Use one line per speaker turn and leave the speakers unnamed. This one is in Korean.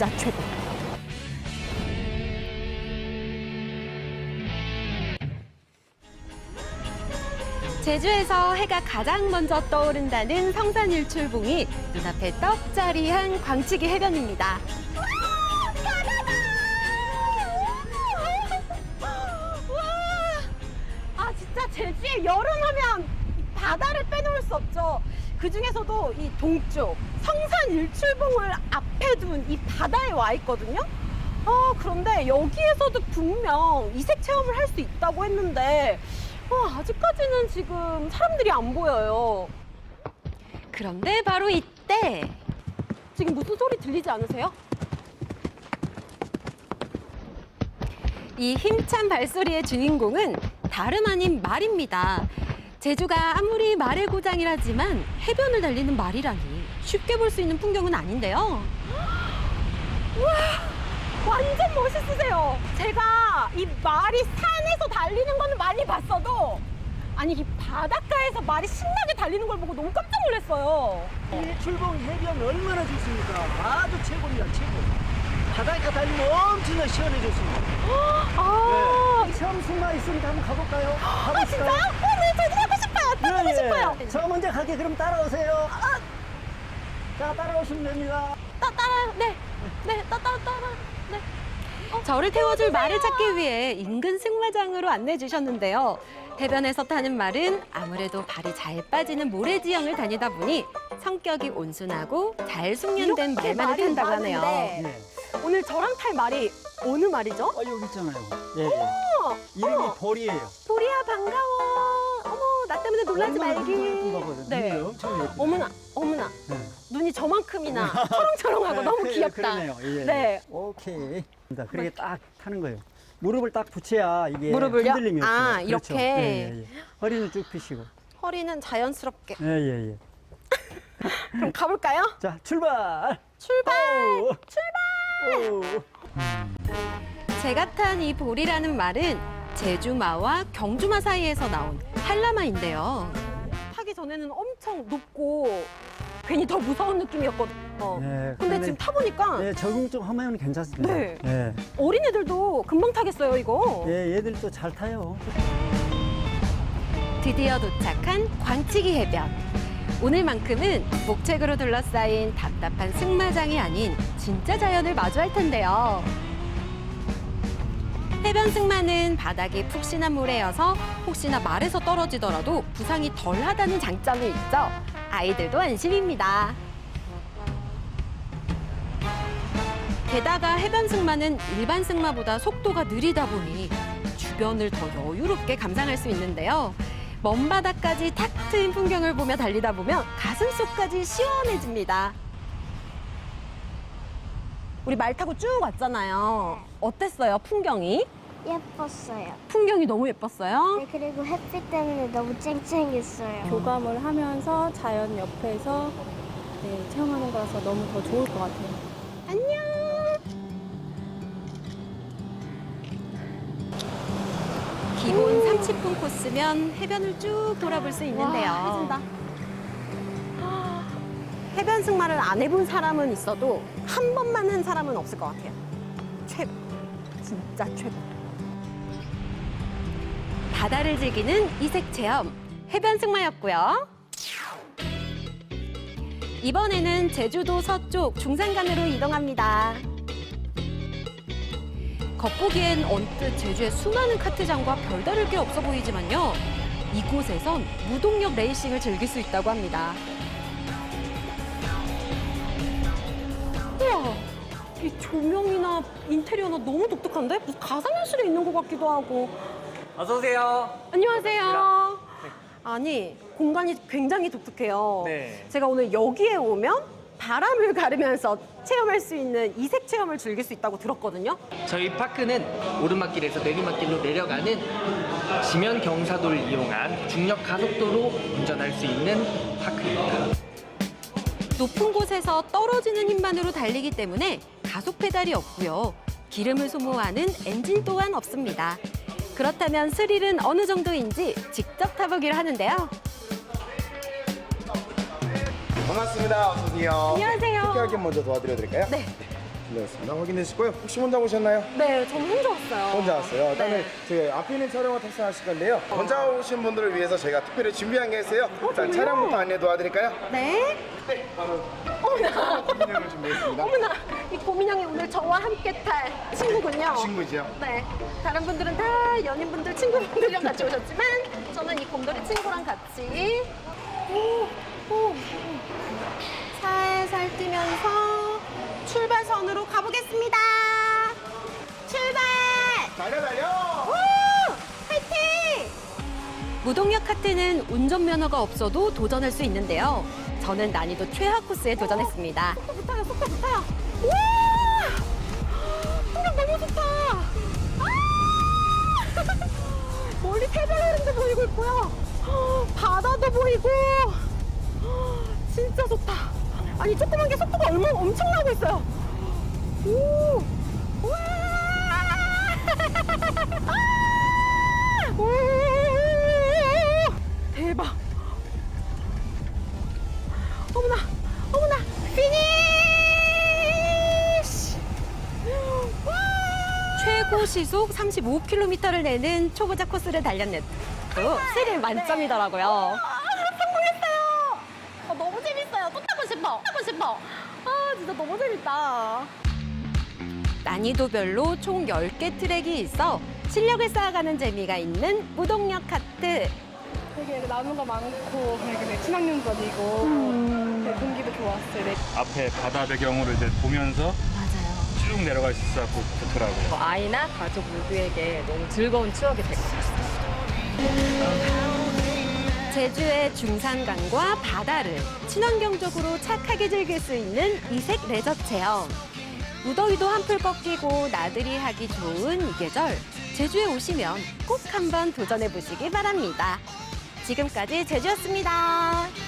진짜 최고. 제주에서 해가 가장 먼저 떠오른다는 성산일출봉이 눈앞에 떡자리한 광치기 해변입니다. 아 진짜 제주에 여름하면 바다를 빼놓을 수 없죠. 그 중에서도 이 동쪽 성산일출봉을 앞에 둔 이 바다에 와 있거든요. 그런데 여기에서도 분명 이색 체험을 할 수 있다고 했는데 아직까지는 지금 사람들이 안 보여요. 그런데 바로 이때 지금 무슨 소리 들리지 않으세요? 이 힘찬 발소리의 주인공은 다름 아닌 말입니다. 제주가 아무리 말의 고장이라지만 해변을 달리는 말이라니 쉽게 볼 수 있는 풍경은 아닌데요. 우와, 완전 멋있으세요. 제가 이 말이 산에서 달리는 거는 많이 봤어도 아니 이 바닷가에서 말이 신나게 달리는 걸 보고 너무 깜짝 놀랐어요.
일출봉 해변 얼마나 좋습니까? 아주 최고입니다, 최고. 바닷가 달리면 엄청나게 시원해졌습니다. 네. 체험 승마 있으니까 한번 가볼까요?
진짜요? 네, 저도 하고 싶어요. 타보고 싶어요.
저 먼저 갈게. 그럼 따라오세요. 자, 따라오시면 됩니다.
네. 저를 태워줄 말을 찾기 위해 인근 승마장으로 안내해 주셨는데요. 해변에서 타는 말은 아무래도 발이 잘 빠지는 모래지형을 다니다 보니 성격이 온순하고 잘 숙련된
이렇게
말만을
말이
탄다고 하네요.
많은데
네.
오늘 저랑 탈 말이 어느 말이죠?
여기 있잖아요. 예, 예. 이름이 보리예요.
보리야 반가워. 어머 나 때문에 놀라지 말기.
네. 엄청 예쁘.
어머나
네.
눈이 저만큼이나 초롱초롱하고 너무 귀엽다.
그러네요. 예.
네.
오케이. 그렇게 딱 타는 거예요. 무릎을 딱 붙여야 이게
무릎을요?
흔들림이 없어요.
아,
그렇죠.
이렇게?
예, 예. 허리는 쭉 펴시고.
허리는 자연스럽게.
예, 예, 예.
그럼 가볼까요?
자, 출발!
출발!
오!
출발!
오!
제가 탄 이 보리라는 말은 제주마와 경주마 사이에서 나온 한라마인데요. 타기 전에는 엄청 높고 괜히 더 무서운 느낌이었거든요.
네,
근데 지금 타보니까
네, 적응 좀 하면 괜찮습니다.
네.
예.
어린애들도 금방 타겠어요, 이거.
예, 얘들도 잘 타요.
드디어 도착한 광치기 해변. 오늘만큼은 목책으로 둘러싸인 답답한 승마장이 아닌 진짜 자연을 마주할 텐데요. 해변 승마는 바닥이 푹신한 모래여서 혹시나 말에서 떨어지더라도 부상이 덜하다는 장점이 있죠. 아이들도 안심입니다. 게다가 해변 승마는 일반 승마보다 속도가 느리다 보니 주변을 더 여유롭게 감상할 수 있는데요. 먼 바다까지 탁 트인 풍경을 보며 달리다 보면 가슴속까지 시원해집니다. 우리 말 타고 쭉 왔잖아요. 어땠어요, 풍경이?
예뻤어요.
풍경이 너무 예뻤어요?
네, 그리고 햇빛 때문에 너무 쨍쨍했어요.
교감을 하면서 자연 옆에서 체험하는 거라서 너무 더 좋을 것 같아요.
안녕. 기본 30분 코스면 해변을 쭉 돌아볼 수 있는데요.
와, 해준다.
해변 승마를 안 해본 사람은 있어도 한 번만 한 사람은 없을 것 같아요. 최고. 진짜 최고. 바다를 즐기는 이색 체험, 해변 승마였고요. 이번에는 제주도 서쪽 중산간으로 이동합니다. 겉보기엔 언뜻 제주의 수많은 카트장과 별다를 게 없어 보이지만요. 이곳에선 무동력 레이싱을 즐길 수 있다고 합니다. 우와, 이 조명이나 인테리어나 너무 독특한데? 무슨 가상현실에 있는 것 같기도 하고.
어서 오세요.
안녕하세요. 아니, 공간이 굉장히 독특해요.
네.
제가 오늘 여기에 오면 바람을 가르면서 체험할 수 있는 이색 체험을 즐길 수 있다고 들었거든요.
저희 파크는 오르막길에서 내리막길로 내려가는 지면 경사도를 이용한 중력 가속도로 운전할 수 있는 파크입니다.
높은 곳에서 떨어지는 힘만으로 달리기 때문에 가속 페달이 없고요. 기름을 소모하는 엔진 또한 없습니다. 그렇다면 스릴은 어느 정도인지 직접 타보기로 하는데요.
반갑습니다. 어서 오세요.
안녕하세요.
특별하게 먼저 도와드려도 될까요?
네.
실례했습니다. 확인해 주시고요. 혹시 혼자 오셨나요?
네, 저는 혼자 왔어요.
혼자 왔어요. 일단은
네.
저희 앞에 있는 차량을 탑승하실 건데요. 혼자 오신 분들을 위해서 저희가 특별히 준비한 게 있어요. 일단 차량부터 안내 도와드릴까요?
네.
네, 바로
어머나.
고민형을 준비했습니다.
어머나. 이 고민형이 오늘 저와 함께 탈 친구군요.
친구죠.
네. 다른 분들은 다 연인분들, 친구분들이랑 같이 오셨지만 저는 이 곰돌이 친구랑 같이 살살 뛰면서 출발선으로 가보겠습니다. 출발!
달려!
우! 화이팅! 무동력 카트는 운전면허가 없어도 도전할 수 있는데요. 저는 난이도 최하 코스에 도전했습니다. 속도 붙어요, 속도 붙어요. 우와! 풍경 너무 좋다. 아! 멀리 태블릿도 보이고 있고요. 바다도 보이고. 진짜 좋다. 아니, 조그만 게 속도가 얼마나 엄청나고 있어요. 오! 우와! 아! 오! 대박. 어머나, 어머나, 피니쉬! 와! 최고 시속 35km를 내는 초보자 코스를 달렸는데 또 스릴 만점이더라고요. 성공했어요. 너무 재밌어요. 또 타고 싶어. 타고 싶어. 아, 진짜 너무 재밌다. 난이도별로 총 10개 트랙이 있어 실력을 쌓아가는 재미가 있는 무동력 카트.
되게 나무가 많고 되게 친환경적이고 되게 공기도 좋았어요. 네.
앞에 바다 배경으로 이제 보면서
맞아요.
쭉 내려갈 수 있어서 좋더라고요.
아이나 가족 모두에게 너무 즐거운 추억이 될 것 같습니다. 제주의 중산강과 바다를 친환경적으로 착하게 즐길 수 있는 이색 레저 체험. 무더위도 한풀 꺾이고 나들이 하기 좋은 이 계절, 제주에 오시면 꼭 한번 도전해 보시기 바랍니다. 지금까지 제주였습니다.